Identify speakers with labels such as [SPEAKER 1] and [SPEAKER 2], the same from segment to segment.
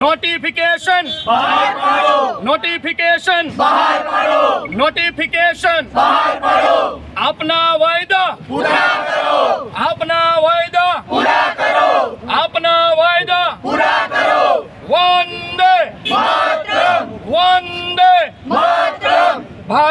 [SPEAKER 1] Notification बाहर पाड़ो, notification बाहर पाड़ो, नोटिफिकेशन बाहर पाड़ो, अपना वायदा पूरा करो, अपना वायदा पूरा करो, अपना वायदा पूरा करो। वंदे मातरम, वंदे मातरम।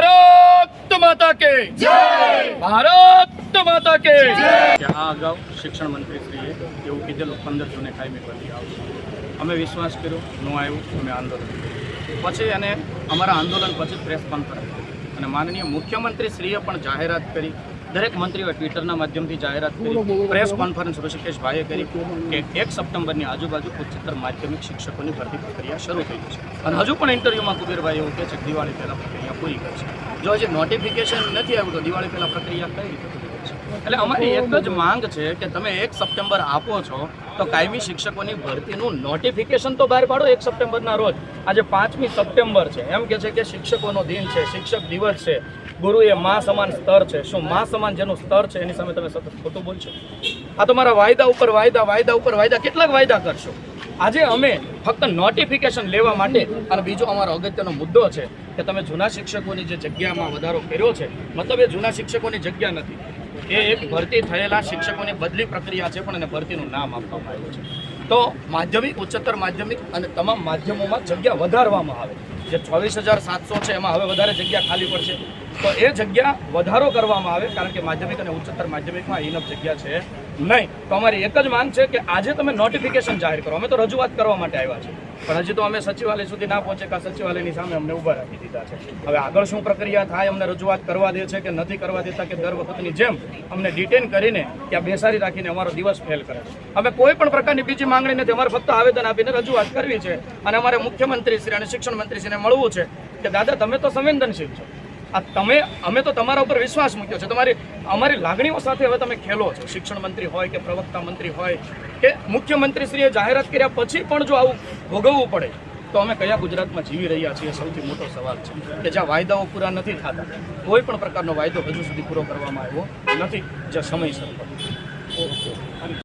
[SPEAKER 1] भारत माता के जय, भारत माता के जय।
[SPEAKER 2] આ અગાઉ શિક્ષણ મંત્રીશ્રીએ એવું કીધેલું 15 જૂને કાયમી ભરતી આવશે. અમે વિશ્વાસ કર્યો, ન આવ્યું, અમે આંદોલન કર્યું. પછી અને અમારા આંદોલન પછી પ્રેસ કોન્ફરન્સ અને માનનીય મુખ્યમંત્રીશ્રીએ પણ જાહેરાત કરી, દરેક મંત્રીઓએ ટ્વિટરના માધ્યમથી જાહેરાત કરી, પ્રેસ કોન્ફરન્સ ઋષિકેશભાઈએ કરી કે 1 સપ્ટેમ્બરની આજુબાજુ ઉચ્ચતર માધ્યમિક શિક્ષકોની ભરતી પ્રક્રિયા શરૂ થઈ છે. અને હજુ પણ ઇન્ટરવ્યૂમાં કુબેરભાઈ એવું કહે છે કે દિવાળી પહેલાં પ્રક્રિયા પૂરી કરશે. જો હજી નોટિફિકેશન નથી આવ્યું તો દિવાળી પહેલાં પ્રક્રિયા કઈ રીતે પૂરી કરશે? એટલે અમારી એક જ માંગ છે કે તમે 1 સપ્ટેમ્બર આપો છો તો કાયમી શિક્ષકોની ભરતીનું નોટિફિકેશન તો બહાર પાડો 1 સપ્ટેમ્બરના રોજ. આજે 5મી સપ્ટેમ્બર છે, એમ કે છે કે શિક્ષકોનો દિન છે, શિક્ષક દિવસ છે, ગુરુ એ મા સમાન સ્તર છે. શું મા સમાન જેનું સ્તર છે એની સામે તમે સતત ખોટું બોલશો? આ તમારા વાયદા ઉપર વાયદા, વાયદા ઉપર વાયદા, કેટલાક વાયદા કરશો? આજે અમે ફક્ત નોટિફિકેશન લેવા માટે, અને બીજો અમારો અગત્યનો મુદ્દો છે કે તમે જૂના શિક્ષકોની જે જગ્યામાં વધારો કર્યો છે, મતલબ એ જૂના શિક્ષકોની જગ્યા નથી, એ એક ભરતી થયેલા શિક્ષકોની બદલી પ્રક્રિયા છે, પણ એને ભરતીનું નામ આપવામાં આવ્યું છે. તો માધ્યમિક, ઉચ્ચતર માધ્યમિક અને તમામ માધ્યમોમાં જગ્યા વધારવામાં આવે. જે 24,700 છે એમાં હવે વધારે જગ્યા ખાલી પડશે, તો એ જગ્યા વધારો કરવામાં આવે, કારણ કે માધ્યમિક અને ઉચ્ચતર માધ્યમિકમાં ઇનફ જગ્યા છે નહીં. તો અમારી એક જ માંગ છે કે આજે તમે નોટિફિકેશન જાહેર કરો. અમે તો રજૂઆત કરવા માટે આવ્યા છે, પણ હજી તો અમે સચિવાલય સુધી ના પહોંચે કે સચિવાલયની સામે અમને ઊભા રાખી દીધા છે. હવે આગળ શું પ્રક્રિયા થાય, અમને રજૂઆત કરવા દે છે કે નથી કરવા દેતા, કે દર વખતની જેમ અમને ડિટેન કરીને ત્યાં બેસાડી રાખીને અમારો દિવસ ફેલ કરે છે. અમે કોઈ પણ પ્રકારની બીજી માંગણી નથી, અમારે ફક્ત આવેદન આપીને રજૂઆત કરવી છે. અને અમારે મુખ્યમંત્રીશ્રી અને શિક્ષણ મંત્રીશ્રીને મળવું છે કે દાદા તમે તો સંવેદનશીલ છો, અમે તો તમારા ઉપર વિશ્વાસ મૂક્યો છે, અમારી લાગણીઓ સાથે હવે તમે ખેલો છો. શિક્ષણ મંત્રી હોય કે પ્રવક્તા મંત્રી હોય કે મુખ્યમંત્રીશ્રીએ જાહેરાત કર્યા પછી પણ જો આવું ભોગવવું પડે તો અમે કયા ગુજરાતમાં જીવી રહ્યા છીએ? સૌથી મોટો સવાલ છે કે જ્યાં વાયદાઓ પૂરા નથી થતા, કોઈ પણ પ્રકારનો વાયદો હજુ સુધી પૂરો કરવામાં આવ્યો નથી, જે સમયસર.